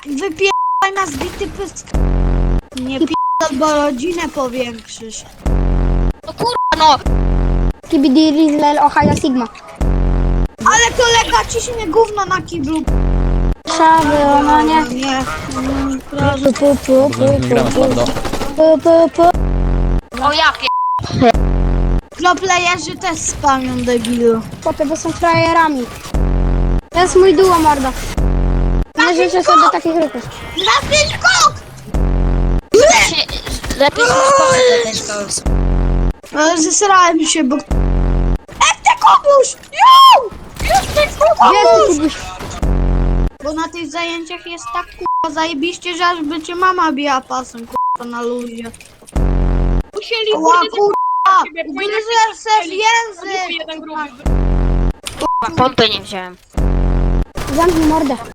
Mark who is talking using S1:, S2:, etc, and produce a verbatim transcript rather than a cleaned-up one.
S1: Wypierdaj na zbity pysk. Nie pierdol, bo rodzinę powiększysz.
S2: No kurwa no!
S3: Kibidi Rizlel Ohio Sigma.
S1: Ale kolega ciśnie gówno na kiblu.
S3: Szawy, ona nie.
S1: Nie. Mm, proszę.
S3: Pu, pu, pu, pu,
S4: Wygramy
S3: pu,
S4: słabo.
S3: pu, pu, pu.
S2: O ja pier...
S1: Proplejerzy też spamią, debilu.
S3: Chłopie, bo są frajerami. To jest mój duo, mordo. Nie życzę sobie takich ruchów.
S1: Na pięć kok!
S2: Się... Lepiej się spokojnie ten szkoły.
S1: Ale zesrałem się, bo... Ech, ty komuś! Jo! Już ty
S3: Gdzie
S1: komuś!
S3: ty Kubuś?
S1: Bo na tych zajęciach jest tak kurwa zajebiście, że aż by cię mama biła pasem kurwa na luzie.
S5: Musieli
S1: Ła
S5: kurde
S1: kurwa!
S5: ciebie,
S1: Ugryzę se w język!
S5: jeden gruby.
S2: Pompy nie wziąłem.
S3: Zamknij mordę.